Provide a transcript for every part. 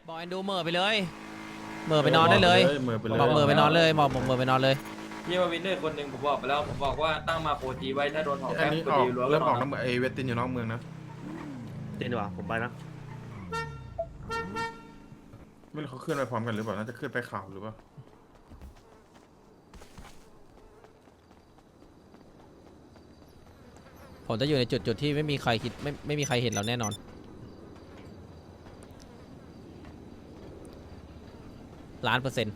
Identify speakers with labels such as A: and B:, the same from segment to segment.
A: บอกแอนดูเหม่อไปเลยเหม่อไปนอนได้เลย
B: เหม่อไปเลย
A: บอกเหม่อไปนอนเลยบอกเหม่อไปนอนเลย
C: พี่มาวินเนอร์คนหนึ่งผมบอกไปแล้วผมบอกว่าตั้งมาโคจีไว้ถ้าโดนหอ
B: อั
C: แป๊
B: น
C: บ
B: นี้
C: กด
B: ออก
C: ดีรั้ว
B: เริ่มออก
C: น
B: แล้วเหมือนไอเวสตินอยู่นอกเมืองนะ
D: จริงดีกว่าผมไปนะ
B: ไม่รู้เขาขึ้นไปพร้อมกันหรือเปล่าน่าจะขึ้นไปเขาหรือเปล่า
A: ผมจะอยู่ในจุดที่ไม่มีใครคิดไม่มีใครเห็นเราแน่นอน1,000,000%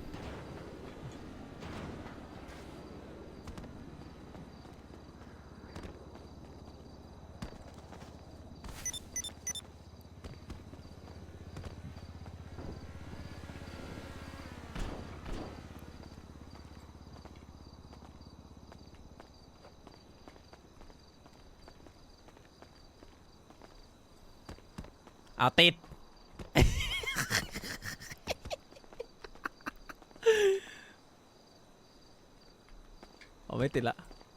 A: เอาติด เอาไม่ติดละ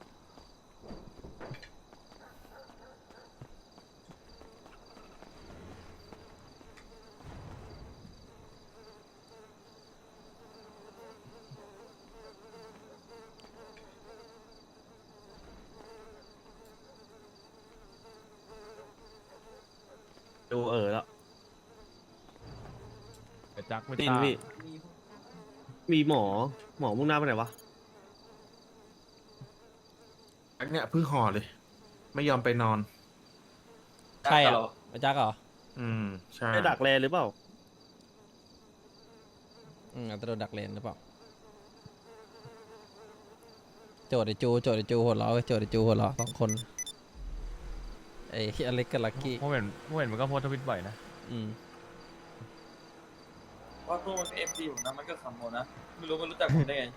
D: ดูแล้ว
E: จักไม่
D: ติน
E: ตา
D: พี่มีหมอมุ่งหน้าไปไหนวะ
B: อันเนี้ยเพิ่งห่อเลย ไม่ยอมไปนอน
A: ใครอ่ะอาจารย์เหรอ
B: ใช่
D: ไปดักแลหรือเปล่า
A: อาจจะโดนดักเลนหรือเปล่าโจดไอจูหัวเราะโจดไอจูหัวเราะ2 คนไอ้อเล็กกับลักกี้
E: ผมเห็นมันก็โพสต์ทวิตบ่อยนะ
C: ว่าตัวมันเอฟซีผมนะมันก็ขำผมนะไม่รู้มันรู้จักผมได้ไง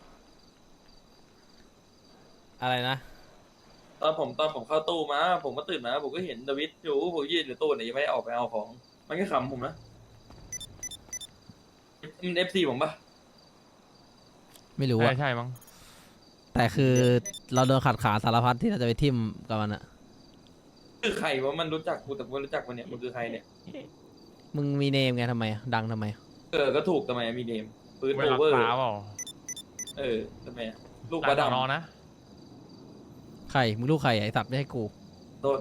A: อะไรนะ
C: ตอนผมเข้าตู้มาผมก็ตื่นมาผมก็เห็นดวิดอยู่ผมยืนอยู่ตู้ไหนยังไม่ได้ออกไปเอาของ มันก็ขำผมนะมันเอฟซีผมปะ
A: ไม่รู้
E: ใช่
A: อะ
E: ใช่มั้ง
A: แต่คือเราโดนขัดขาสารพัดที่เราจะไปทิมกับมันอะ
C: คือใครวะมันรู้จักกูแต่ไม่รู้จักมันเนี่ยมันคือใครเนี่ย
A: มึงมีเนมไงทำไมอะดังทำไม
C: ก็ถูกทำไมมีเนมปืน
E: เว
C: โอ
E: ลา
C: เวอร์
E: ตาเปล่า
C: ทำไมลูก
E: ตา
C: บา
E: ส
C: ด
E: อนอนะ
A: ใครมึงลูกใครอะไอสัตว์ไม่ให้กู
C: ำโดน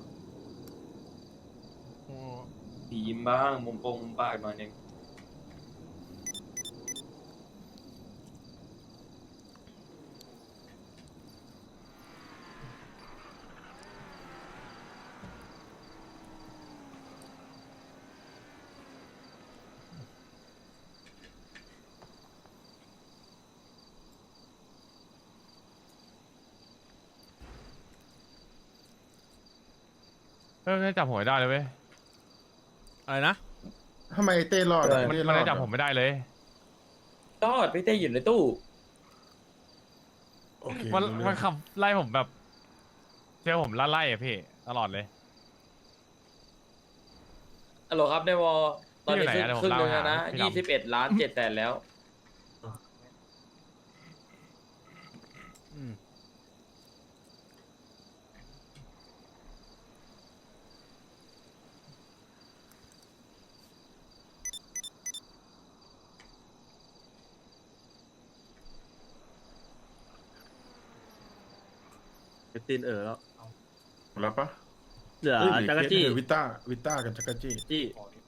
C: สีมบ้างมุมปงมุมปากหน่อยหนึง
E: ไม่จับผมไม่ได้เลยเว้ย
A: อะไรนะ
B: ทำไมไอ้เต้รอดอะ
E: มัน
B: เต้ร
E: มัน
B: อด
E: จะจับผมไม่ได้เลย
C: รอดพี่เต้อยู่ในตู้
B: โอเค
E: มัน
B: รู้เรื่
E: มั
B: อน ง
E: ขับไล่ผมแบบเชื่อผมไล่อะพี่ตลอดเลย
C: ฮัลโหลครับในวอลตอนนี้
E: พี่อยู่ไหนอะ
C: ครึ่งหนึง
E: เดี๋ยวผม
C: แล้วนะ
E: เล่าหาพี่ดำ
C: 21,700,000แล้ว
D: ตินแล้ว
B: หมดแล้วปะ
D: เหลือ
B: เอ้ย
D: จักรจี้
B: เหลือวิต้ากับจักรจี้
D: จี้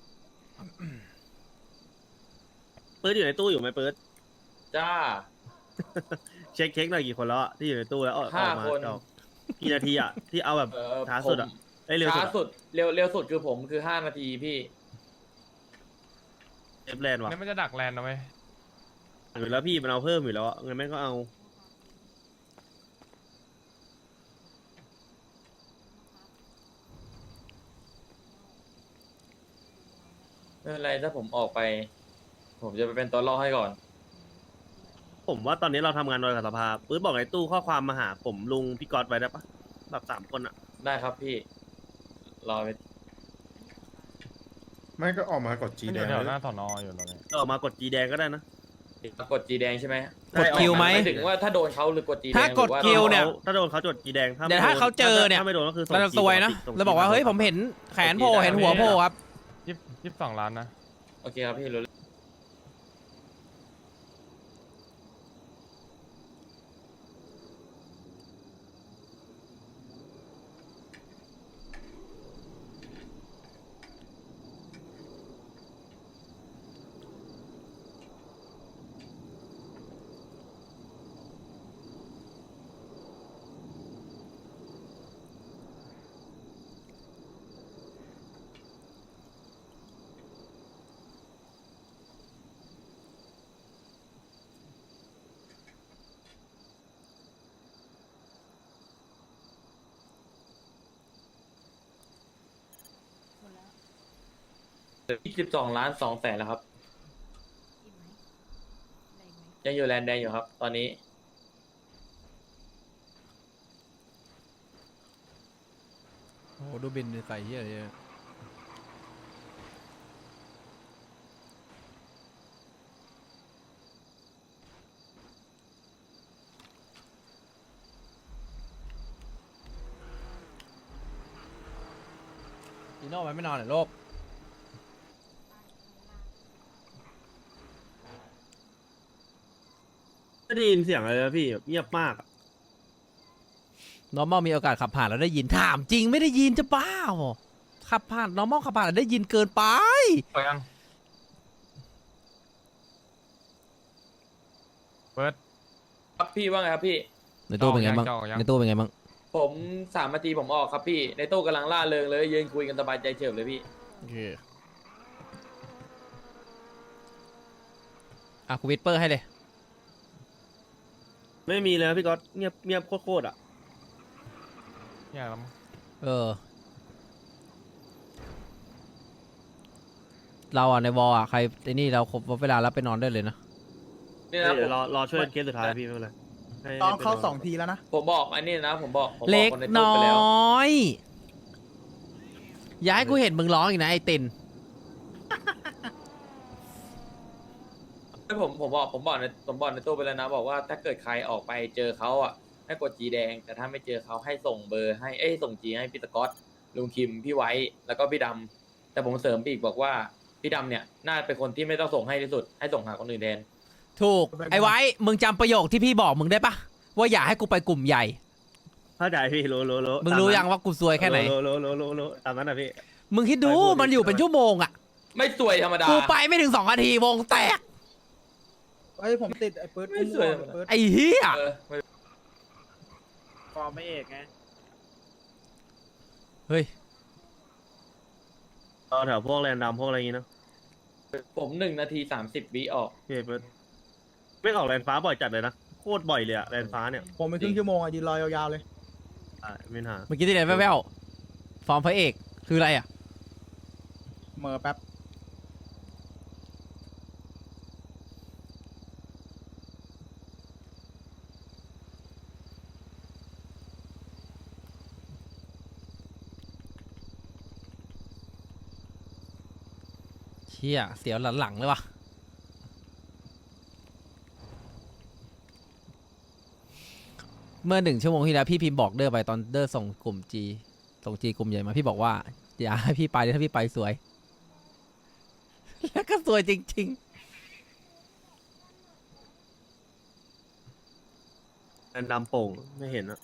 D: เปิดอยู่ในตู้อยู่ไหมเปิด
C: จ้า
D: เช็คหน่อยกี่คนแล้วอะที่อยู่ในตู้แล้วออก
C: ห้า
D: มา
C: คน
D: ออกกี่นาทีอะที่เอาแบบ ช้าสุดอะ
C: ผม
D: เร็วสุ
C: ช้า
D: ดอะ
C: สุดเร็วสุดคือผมคือ5 นาทีพี่
D: เอฟแลนด์ว่ะ
E: นี่มันจะดักแลนด์นะเว้ย
D: อยู่แล้วพี่มันเอาเพิ่มอยู่แล้วอะเงินแม่งก็เอา
C: ไม่เป็นไรถ้าผมออกไป ผมจะไปเป็นตัวล่อให้ก่อน
D: ผมว่าตอนนี้เราทำงานโดยกับสภาปื๊ดบอกในตู้ข้อความมาหาผมลุงพี่ก๊อตไว้ได้ปะแบบ3 คนอะ
C: ได้ครับพี่ รอไป
B: ไม่ก็ออกมากดจี
E: มัน
B: แด
E: อยู่
B: ง
E: แถวห
B: แล้
E: น้าว สอนออยู่ตอนนี้
D: ก็ออกมากดจีแดงก็ได้นะ
C: กดจีแดงใช่ไหม
A: กดคิวไหม
C: หายถึงว่าถ้าโดนเขาหรือกดจีแดง
A: ถ้ากด
C: หรือ
A: คิวเนี่ย
D: ถ้าโดนเขาจดจีแดง
A: เดี๋ยวถ้าเขาเจอเนี่ย
D: ถ้าไม่โดนก็คือส่ง
A: เราจะซวยนะ
D: ส่ง
A: เราบอกว่าเฮ้ยผมเห็นแขนโผล่เห็นหัวโผล่ครับ
E: 22 ล้านนะ
C: โอเคครับพี่รู้ 22,200,000แล้วครับ ยังอยู่แลนด์แดงอยู่ครับ ตอนนี้
A: โอ้โหดูบินใส่เหี้ยอะไรเนี่ยจีโน่มันไม่นอนเหรอโลก
D: ไม่ได้ยินเสียงอะไรเลยพี่แบบเงียบมากอะ
A: normal มีโอกาสขับผ่านแล้วได้ยินถามจริงไม่ได้ยินจะบ้าเหรอขับผ่าน normal ขับผ่านแล้วได้ยินเกินไป
E: ไปยังเปิด
C: ครับพี่ว่าไงครับพี่
A: ในตู้เป็นไงบ้าง
E: จะออกยัง
A: ในตู้เป็นไงบ้าง
C: ผม3 นาทีผมออกครับพี่ ในตู้กำลังล่าเริงเลยยืนคุยกันสบายใจเฉิบเลยพี่
A: โอเคอ่ะกูวิดเปอร์ให้เลย
D: ไม่มีเลยนะพี่ก๊อตเงียบเงียบโคตรๆอ่ะ
E: เนี่ยแล้วมั้ง
A: เออ เราอ่ะในวอลอ่ะใครไอ้นี่เราครบเวลาแล้วไปนอนได้เลยนะ
C: นี่นะ
D: เดี๋ยว
C: ผม
D: รอช่วยเคสสุดท้ายพี่ไม่เป็นไรให้
F: ต้อง
D: ไป
F: เข้าน
D: น
F: 2 ทีแล้วนะ
C: ผมบอกอันนี้นะผมบอก
A: เล็ก
C: คนในตู้
A: น้
C: ไปแล้ว
A: อย อย่าให้กูเห็นมึงร้องอีกนะไอ้ติน
C: ผมบอกในตู้ไปแล้วนะ บอกว่าถ้าเกิดใครออกไปเจอเขาอ่ะให้กดจีแดง แต่ถ้าไม่เจอเขาให้ส่งเบอร์ให้ส่งจีให้พี่สกอตลุงคิมพี่ไว้แล้วก็พี่ดำแต่ผมเสริมไปอีกบอกว่าพี่ดำเนี่ยน่าเป็นคนที่ไม่ต้องส่งให้ที่สุดให้ส่งหาคนอื่นแทน
A: ถูก ไอ้ไว้ มึงจำประโยคที่พี่บอกมึงได้ปะว่าอย่าให้กูไปกลุ่มใหญ่
D: เข้าใจพี่รู้
A: มึงรู้ยังว่ากูซวยแค่ไหน
D: รู้ตามนั้นนะพี่
A: มึงคิดดู
D: ไปพูด
A: มันอยู่เป็นชั่วโมงอ่ะ
C: ไม่สวยธรรมดา
A: กูไปไม่ถึง2 นาทีวงแตก
F: เฮ้ย ผมติดไอ้ปื๊ด
C: ไม่สวย
F: ไอ้ปื๊ด
A: ไอ้เหี้ย
C: เออไม่
F: ฟอร์มไม่เอกไง
A: เฮ้ย
D: รอแถวพวกแรนดัมพวกอะไรอย่างงี้เนอะ
C: ผม1 นาที 30 วิออก
D: พี่เปิดไม่ออกแรนฟ้าบ่อยจัดเลยนะโคตรบ่อยเลยอะแรนฟ้าเนี่ย
F: ผมไปครึ่งชั่วโมงอะยืนรอยาวๆเลย
D: ไม่หา
A: เมื่อกี้ที่ไหนแว่วๆฟอร์มพระเอกคืออะไรอ่ะ
F: เหม่อแป๊บ
A: เชี่ยเสียวหลังๆเลยวะเมื่อ1 ชั่วโมงที่แล้วพี่พิมพ์บอกเดอร์ไปตอนเดอร์ส่งกลุ่มจีส่งจีกลุ่มใหญ่มาพี่บอกว่าอย่าให้พี่ไปเลยถ้าพี่ไปสวย แล้วก็สวยจริง
D: แรนดัมโป่งไม่เห็นอะ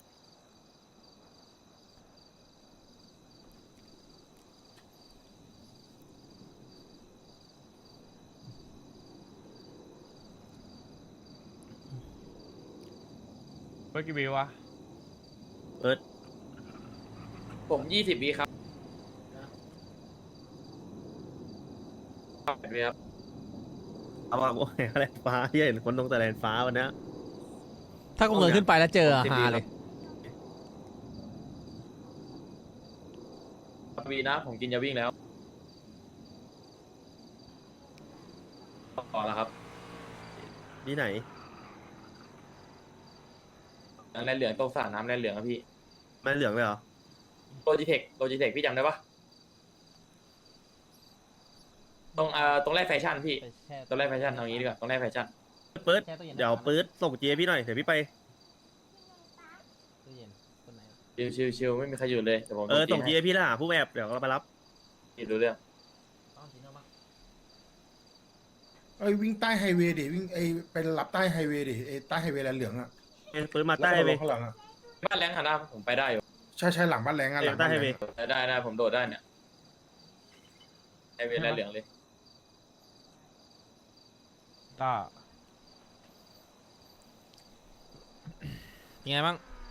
E: เปิดกี่วิววะ
D: เปิด
C: ผม20 วิครับครับ
D: เอาว่าโอ้ยแรนฟ้าที่เห็นคนตรงแต่แรนฟ้าวันเนี้ย
A: ๆ ถ้ากูเงินขึ้นไปแล้วเจอฮาเลย
C: วีนะ ผมกินยาวิ่งแล้วต่อแล้วครับ
D: ที่ไหน
C: แลนเหลืองตรงสระน้ำแลนเหลืองครับพี่
D: แม่เหลืองเลยเหรอ
C: โลจิเทคพี่จำได้ปะตรงแรกแฟชั่นพี่ตรงแรกแฟชั่นเอางี้ดีกว่าตรงแรกแฟชั่น
D: เปิดเดี๋ยวเปิดส่งเจพี่หน่อยเดี๋ยวพี่ไป
C: ชิวไม่มีใครอยู่เลยแต่ผม
D: ส่งเจพี่แล้วหาผู้แอบเดี๋ยวเราไปรับ
C: พี่รู้เรื่อง
G: เอ้ยวิ่งใต้ไฮเวย์ดิวิ่งไอไปรับใต้ไฮเวย์ดิไอใต้ไฮเวย์แลนเหลืองอะ
D: ปืนมา
G: แล้ว
D: ใต้
G: ก็
D: ไป
G: ลงข้างหลังอะ
C: บ้านแรงหันหน้าผมไปได้อยู่
G: ใช่ใช่หลังบ้านแรงอะหลัง
D: ใต้
G: บ้าน
D: ไฮ
G: แร
D: เว
G: ง
D: ย์
C: ได้ผมโดดได้เนี่ยไอเวลาเหลืองเลย
E: ต้า
A: ยังไงบ้าง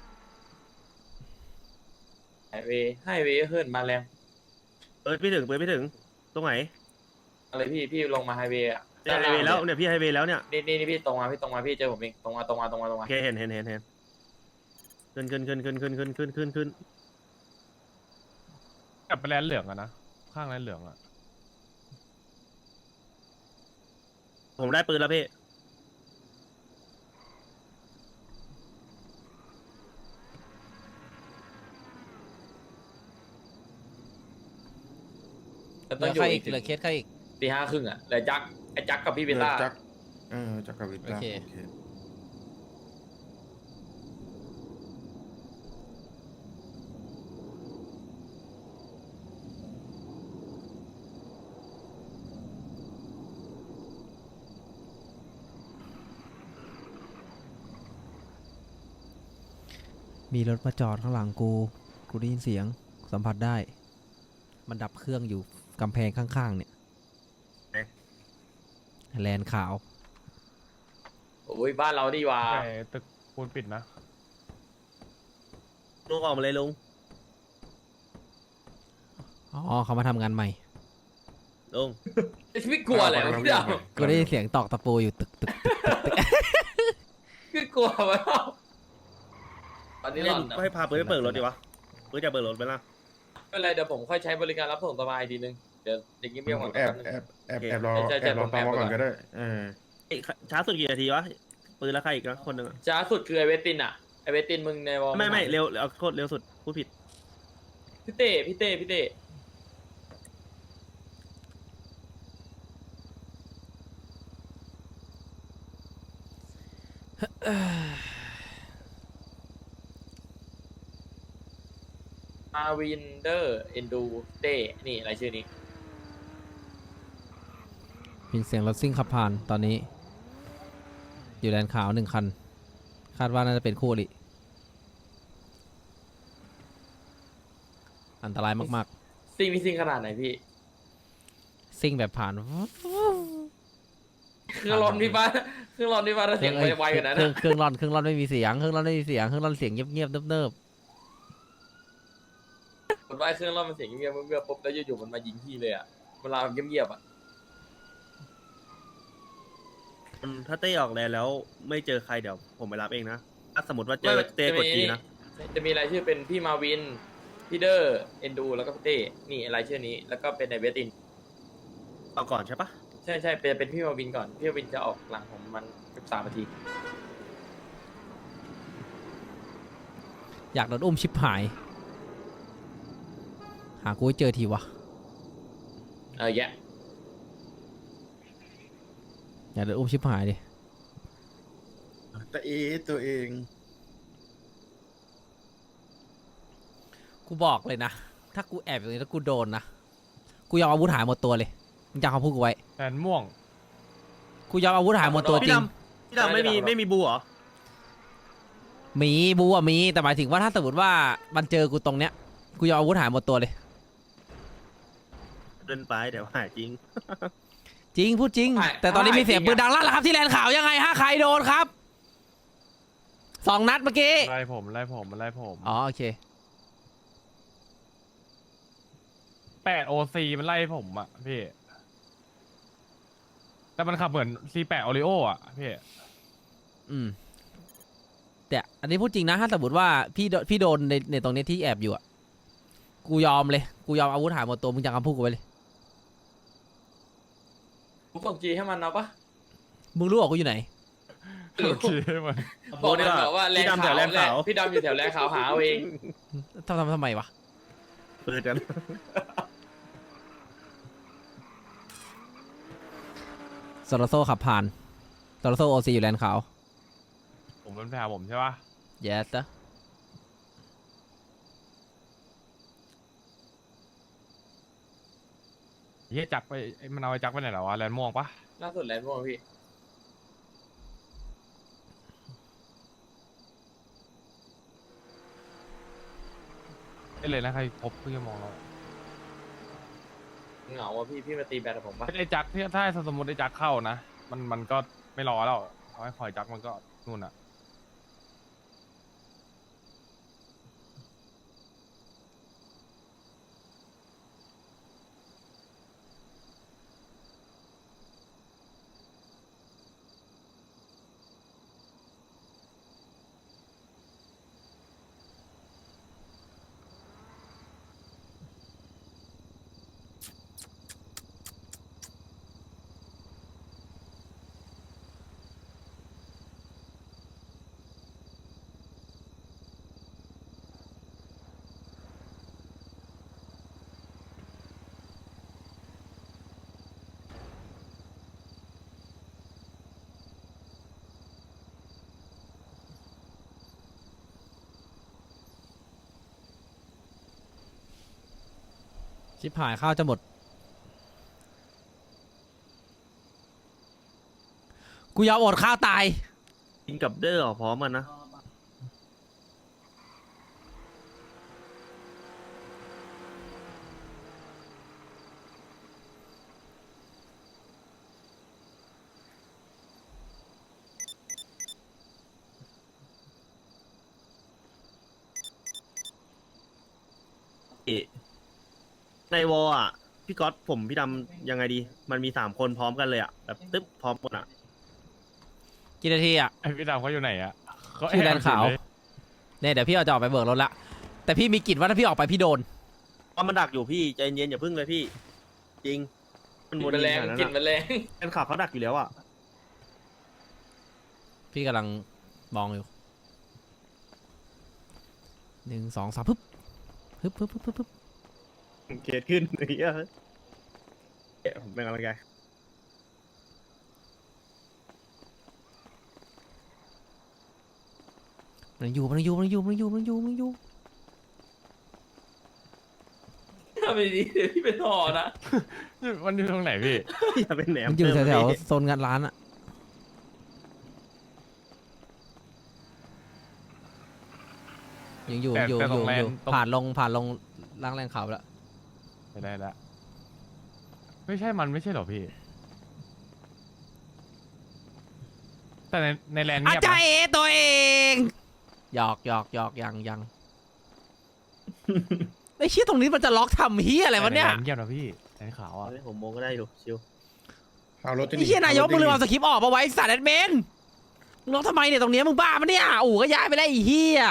C: ไฮเวย์ขึ้นมาแรง
D: ปืนพี่ถึงตรงไหน
C: อะไรพี่ลงมาไฮเวย์อ่ะ
D: เนี่ยไฮเวย์แล้วเนี่ยพี่ไฮเวย์แล้วเนี่ย
C: นี่พี่ตรงมาพี่เจอผมเองตรงมา
D: โอเคเห็นขึ้น
E: กลับไปแลนเหลืองอะนะข้างแลนเหลืองอะ
D: ผมได้ปืนแล้วพี่
C: แล้ว
A: เห
C: ต้
A: ลื
C: อง
A: อ
C: อยู่
A: ใคร
C: อี
A: อี
C: ก
A: กเหลือเคสใครอีก
C: ตี 5:30อ่ะแล้วไอ้จักกับพี่เบต้า
G: จักจักรวิทย์
A: โอเค
G: โอเค
A: มีรถมาจอดข้างหลังกูได้ยินเสียงสัมผัสได้ มันดับเครื่องอยู่กำแพงข้างๆเนี่ยแลนขาว
C: โอ้ยบ้านเราดีว่า
E: แต่ตึกปูนปิดนะ
D: ลุงออกมาเลยลุง
A: อ๋อเขามาทำงานใหม่
C: ไม่กลัวอะไรวะพี่ดาว
A: กูได้ยินเสียงตอกตะปูอยู่ตึก
C: คือกลัววะตอนนี้หลอน
D: ก็ให้พาปืนไปเปิดรถดีวะปืนจะเปิดรถไปละ
C: ไม่เป็นไรเดี๋ยวผมค่อยใช้บริการรับส่งสบายทีนึงเดี๋ยวเงียบๆก่อน
G: แอบ
C: แป๊บนึง
G: แอบรอ
C: ใช่
G: แอบรอ
C: ผม
G: ตาม
C: แอบ
G: มา
C: ไป
G: ก่อน
C: ก่อน
G: ก็ได้
D: ช้าสุดกี่นาทีวะปืนแล้วใครอีกนะคนหนึ่งอะ
C: ช้าสุดคือไอเวสตินอ่ะไอเวสตินมึงในวอล
D: ไม่เร็วเอาโทษเร็วสุดพูดผิด
C: พี่เต้อาวินเดอร์เอนดูเต้นี่อะไรชื่อนี้
A: มีเสียงรถซิ่งขับผ่านตอนนี้ อยู่แลนขาว1 คัน คาดว่าน่าจะเป็นคู่อริอันตรายมาก
C: ซิ่งขนาดไหนพี่
A: ๆ ซิ่งแบบผ่าน
C: เครื่องร้อนพี่บ้านเครื่องร้อนพี่บ้านถ้าเสียงไวๆกว่านั้น
A: เครื่องร่อนไม่มีเสียงเครื่องร่อนเสียงเงียบๆเนิบ
C: ผมว่าเครื่องร้อนมันเสียงเงียบๆปุ๊บแล้วอยู่ๆมันมายิงพี่เลยอ่ะเวลาเงียบๆอ่ะ
D: ถ้าเต้ออกแลนแล้วไม่เจอใครเดี๋ยวผมไปรับเองนะถ้าสมมติว่าเจอเต้กดจีนะ
C: จะมีรายชื่อเป็นพี่มาวินพี่เดอร์เอนดูแล้วก็พี่เต้นี่รายชื่อนี้แล้วก็เป็นในเวสติน
D: เอาก่อนใช่ปะ
C: ใช่เป็นพี่มาวินก่อนพี่มาวินจะออกหลังผมมัน13 นาที
A: อยากโดนอุ้มชิบหาย หากูให้เจอทีวะ
C: แยะ
A: อยากโดนอุ้มชิบหายดิ
G: แต่ตัวเอง
A: กูบอกเลยนะ ถ้ากูแอบอยู่ตรงนี้แล้วกูโดนนะ กูยอมอาวุธหายหมดตัวเลยมึงจำคำพูดกูไว้
E: แลนม่วง
A: กูยอมอาวุธหายหมดตัวจ
D: พี่
A: ริ
D: ด
A: ง
D: ำพี่ดำไม่มีบูเหรอ
A: มีบูอะมีแต่หมายถึงว่าถ้าสมมติว่ามันเจอกูตรงเนี้ยกูยอมอาวุธหายหมดตัวเลย
D: เดินไปเดี๋ยวหายจริง
A: จริงพูดจริง แต่ตอนนี้มีเสียงปืนดังลั่นแล้วครับที่แลนขาวยังไงฮะใครโดนครับ2 นัดเมื่อกี้
E: ไล่ผมมันไล่ผม
A: อ๋อโอเค
E: 8 OC มันไล่ผมอะพี่ แต่มันขับเหมือน C8 Oreo อะพี่
A: อืมแต่อันนี้พูดจริงนะถ้าสมมติว่าพี่โดนในตรงนี้ที่แอบอยู่อะกูยอมเลยกูยอมอาวุธหายหมดตัวมึงจำคำพูดกูไว้เลย
C: ผมส่งจีให้มันเอาปะ
A: มึงรู้เหรอกูอยู่ไหน
E: โอเคมัน
C: บอกมันบอกว่าแรง
D: พี่ดำแถวแลนขาว
C: พี่ดำอยู่แถวแรงขาวหาเอาเอง
A: ทำไมวะ
D: ปืนกัน
A: โซโลโซขับผ่านโซโลโซโอซีอยู่แลนขาว
E: ผมมันไปหาผมใช่ปะ
A: yes นะ
E: เฮียจักรไปมันเอาไอ้จักรไปไหนแล้ววะแลนม่วงปะ
C: ล่าสุดแลนด์ม่วงพี่
E: ได้เลยนะใครพบเพื่อมองเรา
C: เหงาอ่ะพี่มาตีแบดกับผมปะ
E: ไอ้จักถ้าสมมติไอ้จักเข้านะมันก็ไม่รอแล้วเขาให้คอยจักมันก็นู่นอ่ะ
A: ชิบหายข้าวจะหมด กูยอมอดข้าวตาย
D: กินกับเดอร์พร้อมกันนะ ในวอลอ่ะ พี่ก๊อตผมพี่ดำยังไงดี มันมี3 คนพร้อมกันเลยอ่ะ แบบตึ๊บพร้อมกันอ่ะ
A: กี่นาทีอ่ะ
E: ไอ้พี่ดำเขาอยู่ไหนอ่ะเขา
A: ที่แลนด์ขาว
E: แอบอยู่เลย
A: เนี่ยเดี๋ยวพี่เอาจะออกไปเบิกรถละ แต่พี่มีกิจว่าถ้าพี่ออกไปพี่โดน
D: เพราะมันดักอยู่พี่ใจเย็นอย่าพึ่งเลยพี่ จริง มัน
C: ก
D: วน
C: ลิ่นแมลง
D: ขนาดนั้น
C: กลิ่นแม
D: อะ
C: ลง
D: แฟนคลับเขาดักอยู่แล้วอ่ะ
A: พี่กำลังมองอยู่1 2 3ปึ๊บปึ๊บปึ๊บปึ๊บปึ๊บ
D: เกตขึ้นไอ้เหี้ยผมเป็นกำลังใจ
A: มันอยู่มันอยู่มันอยู่มันอยู่มันอยู่มันอยู่
C: ถ้าไม่ดีเดี๋ยวพี่เป็นห่อนะ
E: มันอยู่ตรงไหนพี่
D: อย่าเป็นแหนม
A: มันอยู่
D: เติม
A: แถว
D: พี่
A: ๆโซนงานร้านอะยังอยู่อยู่
E: แต่
A: อ
E: ตร
A: ยู่
E: งแลนด์
A: อยู่
E: ตรง
A: ผ่านลงล้างแรงขาวแล้ว
E: ไม่ได้ละไม่ใช่มันไม่ใช่เหรอพี่ แต่ในแลนด์
A: อา
E: เงียบ
A: จาร
E: นะ
A: ย์เอตัวเองหยอกยังไอ้เชี่ยตรงนี้มันจะล็อกทำเฮียอะไรวะเนี่ย
E: แต่ในแลนด์เงียบนะพี่แลนด์ขาวอ่ะ
D: เฮ้ยผมมองก็ได้อยู่ชิว
G: เอารถ
A: ไอ้เชี่ยนายกมึงลืมเอาสคริปต์ออกมาไว้สัตว์แอดเมนมึงล็อกทำไมเนี่ยตรงเนี้ยมึงบ้าปะเนี่ยอู่ก็ย้ายไปแล้วไอ้เฮีย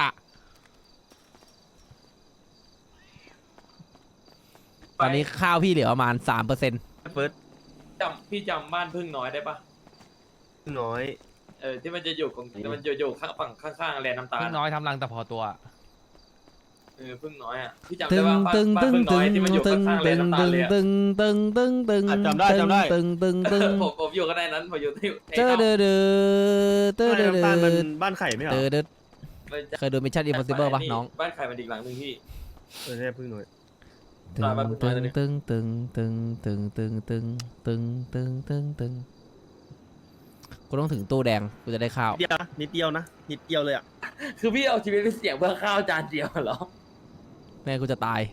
A: ตอนนี้ข้าวพี่เหลือประมาณ 3%
D: เฟิร์ส
C: พี่จำบ้านพึ่งน้อยได้ปะ
D: น้อย
C: ที่มันจะอยู่ของมันอยู่ข้างฝั่งข้างๆแลนด์น้ำตาล
E: พึ่งน้อยทำรังแต่พอตัว
C: พึ่งน้อยอ่ะพี่จำ
A: ตึ
C: ได้
A: ง
C: ว่าบ้าน
A: ตึง
C: บ้าน
A: ตึง
C: พึ่งน้
A: ตึ
C: อย
A: ง
C: ที่มันอยู่
A: ตึง
C: ข้างๆแล
A: ตึ
C: น
A: ง
C: ด์น้ำตาล
A: ตึง
C: เลยอะ
A: ตึงตึงตึงตึง
D: จำได้
A: ตึงตึงตึง
C: ผมอยู่ก็ได้นั้นผมอยู่ที่
A: เจอเดือดเดือดเดือด
D: น้ำตาล
A: เดื
D: มัน
A: อด
D: บ้านไข่ไม่เหรอ
A: เดือดเคยดูมิชชั่นอิมพอสิเบิลปะน้อง
C: บ้านใครมันอีกหลังหนึ่งพี่
D: ใช่พึ่งน้อย
A: ตึงตึงตึงตึงตึงตึงตึงตึงตึงตึงตึงตึงกูต้องถึงตู้แดงกูจะได้ข้าว
D: นิดเดียวนะนิดเดียวเลยอ่ะ
C: คือพี่เอาชีวิตไปเสี่ยงเพื่อข้าวจานเดียวเหรอ
A: แม่กูจะตาย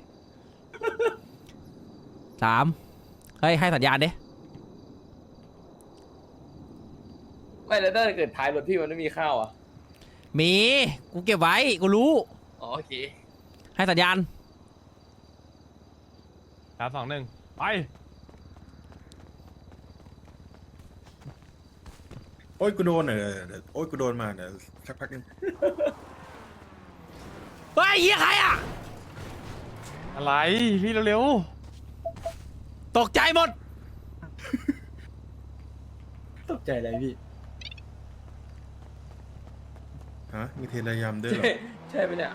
A: 3 เฮ้ยให้สัญญาณดิ
C: ไม่แล้วถ้าเกิดท้ายรถพี่มันไม่มีข้าวอ่ะ
A: มีกูเก็บไว้กูรู้
C: อ๋อโอเค
A: ให้สัญญาณ
E: 3 2 1 ไป
G: โอ้ยกูโดนเดี๋ยวโอ้ยกูโดนมาเดี๋ยวสักพักนึง
A: เฮ้ยเฮียใครอ่ะ
E: อะไรพี่เร็ว
A: ตกใจหมด
C: ตกใจอะไรพี่
G: ฮะมีเทระยำด้วยเหรอ
C: ใช่ไหมเนี่ย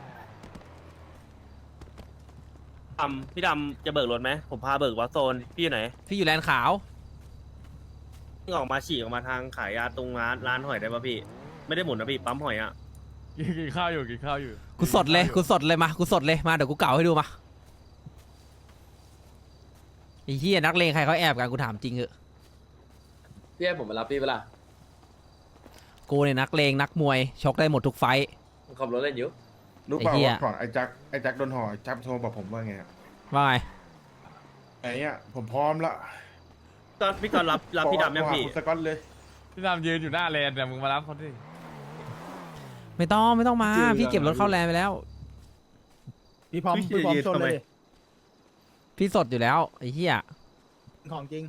D: พี่ดำจะเบิกรถไหมผมพาเบิกวัดโซนพี่อยู่ไหน
A: พี่อยู่แลนด์ขาว
D: ออกมาฉีกออกมาทางขายยาตรงร้านหอยได้ป่ะพี่ ไม่ได้หมุนนะพี่ปั๊มหอยอ่ะ
E: ๆกินข้าวอยู่กินข้าวอยู่
A: กูสดเลยกูสดเลยมากูสดเลยมาเดี๋ยวกูเก่าให้ดูมาไอ้เฮียนักเลงใครเขาแอบกันกูถามจริงเหอะ
C: พี่ให้ผมมารับพี่เปะล่า
A: กูเนี่ยนักเลงนักมวยชกได้หมดทุกไฟท์
C: ผมขับรถเล่นอยู่
B: รู้เปล่า
A: ไอ้เหี้ย
B: ว่าก่อนไอ้แจ็คโดนห่อไอ้แจ็คโทรบอกผมว่าไงอะ
A: ว่าไง
B: ไอ้เนี่ยผมพร้อมละ
D: ก็พี่ก๊อตรับพี่ดำยังพี่
B: โทรหาคุณสกอตเลย
E: พี่ดำยืนอยู่หน้าแลนด์เนี่ยมึงมารับเขาดิ
A: ไม่ต้องมาพี่เก็บรถเข้าแลนด์ไปแล้ว
F: พี่พร้อม
D: พี่
F: พี่พร้อม
D: ยืน
F: ชน
D: ทำไม
F: เลย
A: พี่สดอยู่แล้วไอ้เหี้ย
F: ของจริง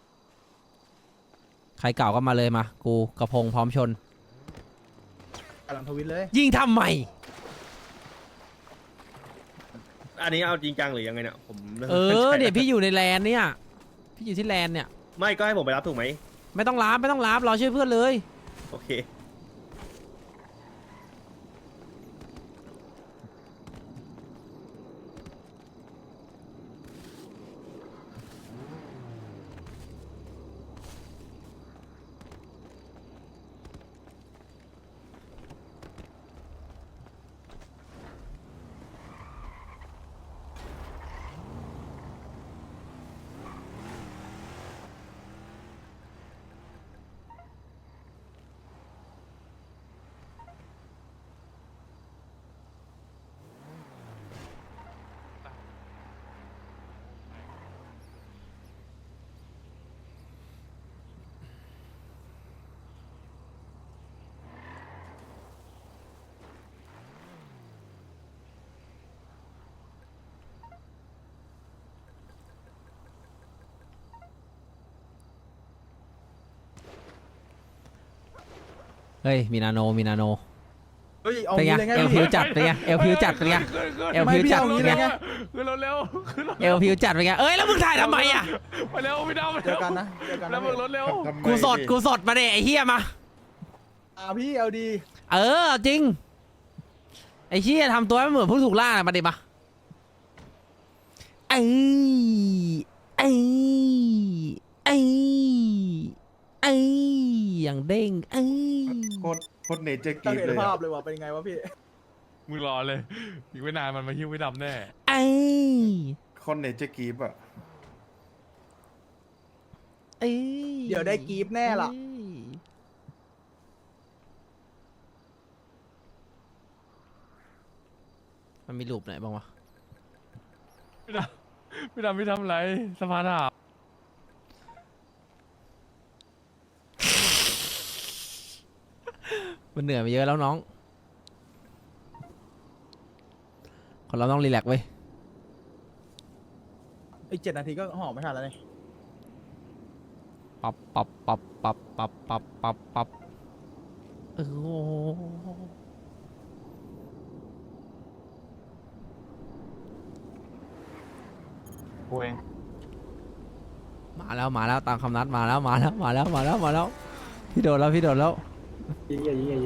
A: ใครเก่าก็มาเลยมากูกระพงพร้อมชน
F: กำลังทวิตเลย
A: ยิงทำไม
D: อันนี้เอาจริงจังหรือยังไงเนี่ยผมไม่
A: เอ
D: ข้า
A: อ
D: ใจ
A: เนี่ยพี่อยู่ในแลนด์เนี่ยพี่อยู่ที่แลนด์เนี่ย
D: ไม่ก็ให้ผมไปรับถูกไหม
A: ไม่ต้องรับรอช่วยเพื่อนเลย
D: โอเค
A: เฮ้ยมีนาโน
F: เฮ้ยเอา
A: เป็นไง
F: งี้เลยไง
A: เอลพิวจัดเป็นไงเอลพิวจัดเป็นไงเอลพิวจัด
F: ไม่
A: เป็น
F: พี่
A: ไง
F: เอางี้เลยไง
E: ขึ้นรถเร็วขึ้นรถ
A: เอลพิวจัดเป็นไงเอ้ยแล้วมึงถ่ายทำไมอ่ะ
E: ไปเร็วพี่ดำไป
F: เจ
E: เร็
F: อ
E: ว
F: กันนะเจอกัน
E: แล้
F: นะ
E: วมึงรถเร็ว
B: ทำไม
A: กูสดมาเดไอ้เฮียมา
F: พี่เอาดี
A: เออจริงไอ้เฮียทำตัวให้เหมือนผู้ถูกล่ามาดิมาไอ้ไอ้ไอ้ไอ้อย่างเด้งไอ้
B: โคตรเนเจอร์
F: ต้อ
B: กี
F: งเห็น
B: เลย
F: ภา
B: อะ
F: พเลยว่ะเป็นไงวะพี่
E: มึงรอเลยอีกไม่นานมันมาหิ้วพี่ดำแน่
A: ไอ้
B: โคตรเนเจอร์กีอะ
A: ไอ้
F: เดี๋ยวได้กรี๊ดแน่ล่ะ
A: มันมีรูปไหนบ้างวะ
E: พี่ดำพี่ทำอะไรสภาถาม
A: มันเหนื่อยมาเยอะแล้วน้องคนเราต้องรีแลกซ์ไว้ย
F: อีก7 นาทีก็ห่อไม่ทันแล้วนี่
A: ปับโอ้โห
H: กูเอง
A: มาแล้วตามคำนัดมาแล้วพี่โดนแล้วยิง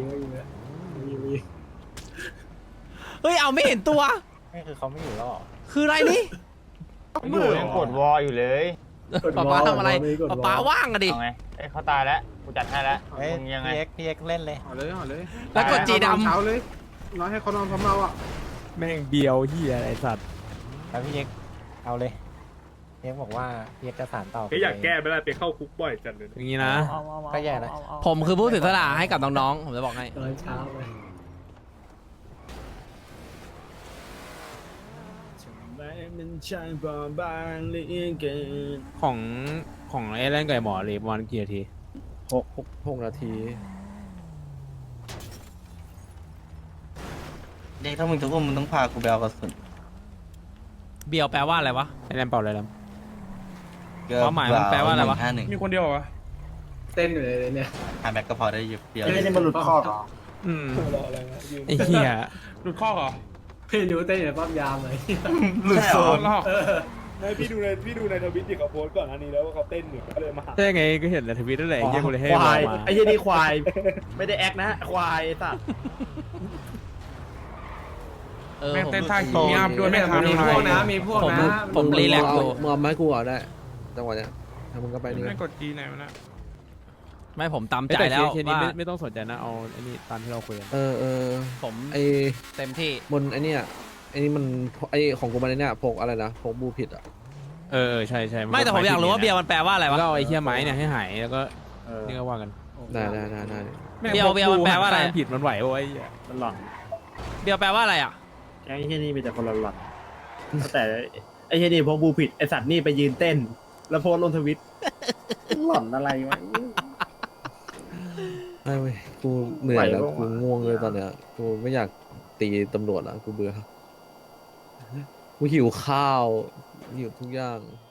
A: เฮ้ยเอาไม่เห็นตัว
H: ไม่คือเขาไม่อยู่แล้วเหรอ
A: คืออะไรนี่
H: อยู่ยังกดวออยู่เลย
A: ป๊าทำอะไรป๊าว่างอะดิ
H: เอาไงเอ้ยเขาตายแล้วกูจัดให้แล้วมึงยังไง
I: พี่เอ็กเล่นเลย
F: ห่อเลยห่อเลย
A: แล้วกดจีด
F: เช้าเลยน้อยให้เขานอนพร้อมเราอ่ะ
I: แม่งเบียวเฮียอะไรสัตว์แล้วพี่เอ็กเอาเลยพี่เอ็กบอกว่าพี่เอ็กจะสานต่อ
D: ก็อยากแก้ไม่ได้ไปเข้าคุกบ่อยจัดเลย
A: อย่างนี้นะ
I: ก็แย่นะ
A: ผมคือผู้เสียสละให้กับน้องๆผมจะบอกให้
F: ตอนเช้าเลย
I: ของไอ้เล่นกับหมอเลยประมาณกี่นาที6 นาที
J: เด็กถ้ามึงจะพูดมึงต้องพากูไปเอากระสุน
A: เบียวแปลว่าอะไรวะ
I: ไอ้เล่นเปล่าเลยล
A: ความหมายมันแปลว่าอะไรวะ
J: 151
F: มีคนเดียวเหรอเต้นอยู่เลยเนี่ย
J: หาแบ็กก็พอได้อยู่เดียว
G: ไอ้นี่มันหลุดข้อเหรอ
I: ไอ้เหี้ย
F: หลุดข้อเหรอพี่ดูเต้นอยู่ในป้อมยามเลย
J: หลุดโซน
D: ไม่พี่ดูในทวิตที่เขาโพสต์ก่อนอันนี้แล้วว่าเขาเต้นอยู่ก็เลยมาหา
I: ได้ไงก็เห็นในทวิตนั่นแหละไอ้เหี้ยกูเลยให้
D: ควาย
I: มา
D: ไอ้เหี้ยนี่ควาย ไม่ได้แอคนะควายสัตว์
A: แม่งเต้น
F: ท่าขี้อัพด้วยแม่งมีพวกนะมีพวกนะ
A: ผมรีแลกซ์อยู่
I: มึงเอาไม้กูเอาได้จังหวะเนี้ยถ้ามึงก็ไปนี่
F: ไม่กดจีไหนวะนะ
A: ไม่ผมตามใจแล้ว
I: เคสนี้
A: ว่า
I: ไม่ต้องสนใจนะเอาไอ้นี่ตามที่เราคุยกัน
A: ผม
I: ไอ้
A: เต็มที่
I: บนไอ้นี่ไอ้นี่มันไอ้ของกูมันไอ้นี่พกอะไรนะพกบูผิดอ่ะใช่
A: ไม่แต่ผมอยากรู้ว่าเบียร์มันแปลว่าอะไรวะ
I: ก็เอาไอ้เหี้ยไม้เนี่ยให้หายแล้วก็นี่ก็ว่ากัน
A: ได้เบียวมันแปลว่าอะไร
I: ผิดมันไหวโอ้ยมันหลอน
A: เบียวแปลว่าอะไรอ่ะ
D: ไอ้เฮียนี่มีแต่คนหลอนๆแต่ไอ้เฮียนี่พอบูผิดไอ้สัตว์นี่ไปยืนเต้น แล้วโพสต์ลงทวิตหลอนอะไรวะ
A: ไม่เว้ยกูเหนื่อยแล้ว
D: ไหวปะวะ
A: กูง่วงเลยตอนเนี้ยกูไม่อยากตีตำรวจแล้วกูเบื่อกูหิวข้าวหิวทุกอย่าง